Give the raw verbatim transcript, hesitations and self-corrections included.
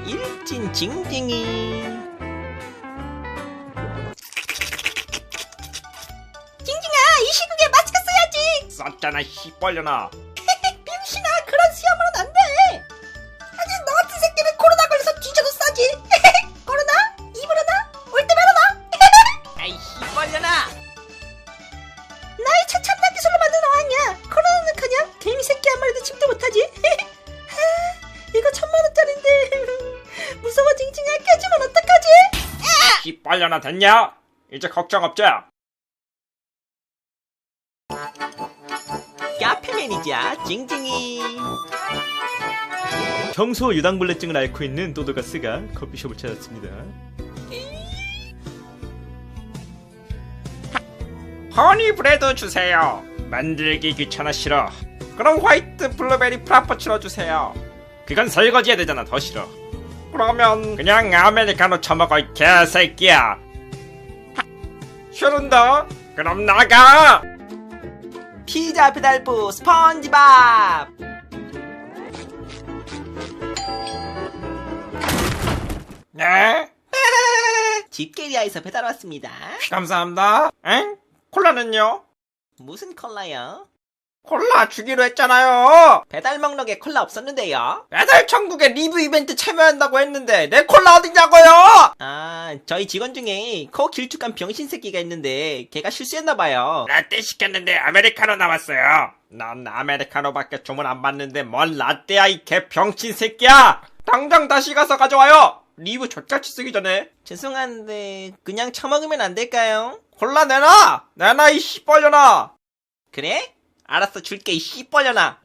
일진 징징이. 징징아, 이 시국에 마스크 써야지. 쌌잖아 씨벌려나. 병신아, 그런 수염으로는 안 돼. 아니, 너 같은 새끼는 코로나 걸려서 뒤져도 싸지. 코로나? 이브로나? 올 때 말아라. 아이 씨벌려나. 나의 최첨단 기술로 만든 어항이야. 코로나는 그냥 개미 새끼 한 마리도 침도 못하지. 하, 이거 천만 원짜린데. 무서워 징징아, 깨지면 어떡하지? 씨벌려나 됐냐? 이제 걱정 없자. 카페 매니저 징징이. 평소 유당불내증을 앓고 있는 또도가스가 커피숍을 찾았습니다. 허니브레드 주세요. 만들기 귀찮아 싫어. 그럼 화이트 블루베리 프라푸치노 주세요. 그건 설거지해야 되잖아. 더 싫어. 그러면 그냥 아메리카노 처먹어 이 개새끼야. 싫은다. 그럼 나가. 피자 배달부 스펀지밥. 네? 집게리아에서 배달 왔습니다. 감사합니다. 엥? 콜라는요? 무슨 콜라요? 콜라 주기로 했잖아요. 배달 목록에 콜라 없었는데요. 배달 천국에 리뷰 이벤트 참여한다고 했는데 내 콜라 어딨냐고요? 아, 저희 직원 중에 코 길쭉한 병신 새끼가 있는데 걔가 실수했나봐요. 라떼 시켰는데 아메리카노 나왔어요. 난 아메리카노밖에 주문 안 받는데 뭔 라떼야 이 개병신 새끼야. 당장 다시 가서 가져와요. 리뷰 족같이 쓰기 전에. 죄송한데 그냥 처먹으면 안 될까요? 콜라 내놔. 내놔 이 씨벌려나. 그래? 알았어, 줄게 이 씨벌려나.